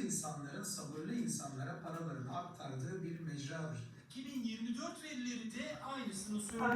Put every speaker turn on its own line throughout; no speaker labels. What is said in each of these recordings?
insanların sabırlı insanlara paralarını aktardığı bir mecradır.
2024 verileri de aynısını söylüyor.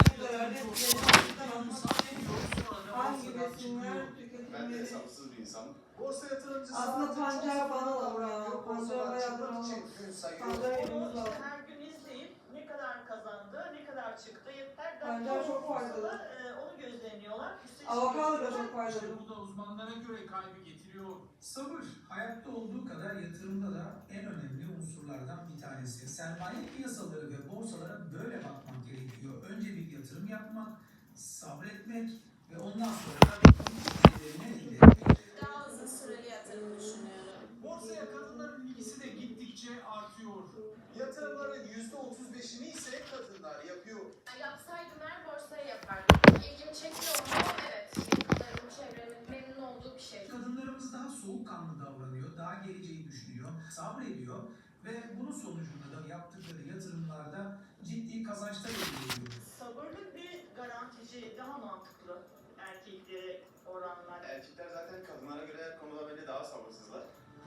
Hangi besinler
Ben de
tüketilmeli?
hesapsız bir insanım.
Borsa yatırımcısı
Aslında pancar bana da ya. Pancar bayağıdır almam. Pancar yememiz lazım.
Her gün izleyip ne kadar kazandı, ne kadar çıktı, yeter.
Pancar çok faydalı.
Onu gözlemliyorlar.
Avokado da çok faydalı.
Bu da uzmanlara göre kaybı getiriyor.
Sabır, hayatta olduğu kadar yatırımda da en önemli unsurlardan bir tanesi. Sermaye piyasaları ve borsalara böyle bakmak gerekiyor. Önce bir yatırım yapmak, sabretmek ve ondan sonra da getirilerini elde etmek.
Daha uzun süreli yatırım düşünüyorum.
Borsaya kadınların ilgisi de gittikçe artıyor.
Yatırımların %35'ini ise kadınlar yapıyor.
Yapsaydım her borsayı yapardım. İlgimi çekiyor mu? Evet. Yakınlarım, çevremin memnun olduğu bir şey.
Kadınlarımız daha soğukkanlı davranıyor, daha geleceği düşünüyor, sabrediyor ve bunun sonucunda da yaptıkları yatırımlarda ciddi kazançlar elde ediyor.
Sabırlı bir garantici daha mantıklı erkeklere oranla.
Erkekler zaten kadınlara göre her konuda bence daha sabırsızlar.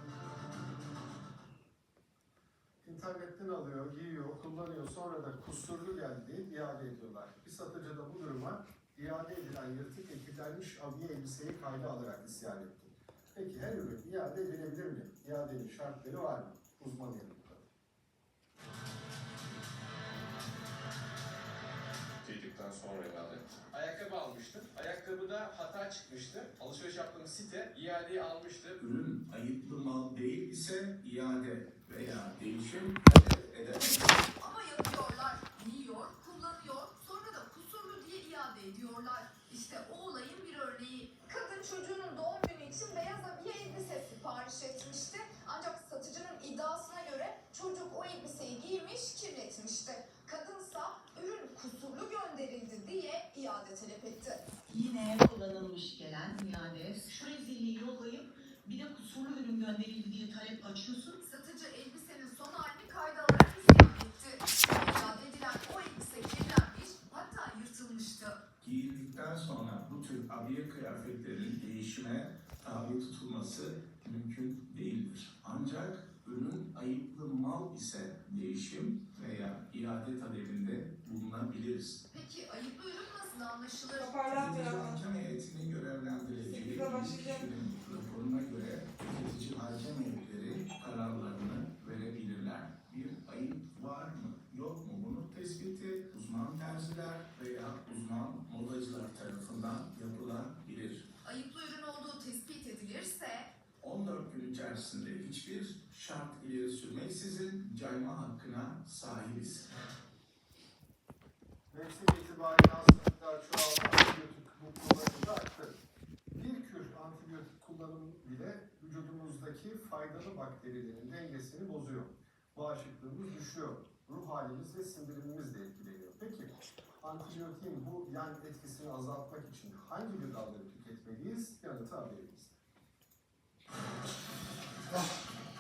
İnternetten alıyor, giyiyor, kullanıyor, sonra da kusurlu geldi, iade ediyorlar. Bir satıcı da bu duruma iade edilen yırtık etilenmiş abiye elbiseyi kayda alarak isyan etti. Peki her ürün iade edilebilir mi? İadenin şartları var mı? Uzman yanıtladı.
Tüydükten sonra iade. Ayakkabı almıştım. Ayakkabıda hata çıkmıştı. Alışveriş yaptığım site iadeyi almıştı.
Ürün ayıplı mal değil ise iade veya değişim talep edemez.
Ama yapıyorlar, yiyor, kullanıyor, sonra da kusurlu diye iade ediyorlar. İşte o olayın bir örneği. Kadın çocuğunun doğum günü için beyaz abiye elbise sipariş etmişti. Ancak satıcının iddiasına göre çocuk o elbiseyi giymiş, kirletmişti. Kadınsa ürün kusurlu gönderildi diye iade talep etti.
Yine kullanılmış gelen iade, şu rezilliği yollayıp bir de kusurlu ürün gönderildi diye talep açıyorsun.
Satıcı elbisenin son halini kayda alarak isyan etti. İade edilen o elbise kirlenmiş, hatta yırtılmıştı.
Giyildikten sonra bu tür abiye kıyafetlerin değişime tabi tutulması mümkün değildir. Ancak ürün ayıplı mal ise değişim veya iade talebinde bulunabiliriz.
Peki ayıplı ürün nasıl anlaşılır?
Toparlan
Tüketici
biraz.
hakem heyetinin görevlendireceği
Sekize başlayacak.
kişinin raporuna göre tüketici hakem heyetleri kararlarını verebilirler. Bir ayıp var mı yok mu bunu tespiti uzman terziler veya uzman modacılar tarafından yapılabilir.
Ayıplı ürün olduğu tespit edilirse
14 gün içerisinde hiçbir şart ileri sürmeksizin cayma hakkına sahibiz.
Mevsim itibariyle hastalıklar çoğaldı, antibiyotik kullanımı da arttı. Bir kür antibiyotik kullanımı bile vücudumuzdaki faydalı bakterilerin dengesini bozuyor. Bağışıklığımız düşüyor. Ruh halimiz ve sindirimimiz de etkileniyor. Peki antibiyotiğin bu yan etkisini azaltmak için hangi gıdaları tüketmeliyiz? Yanıtı haberimizde.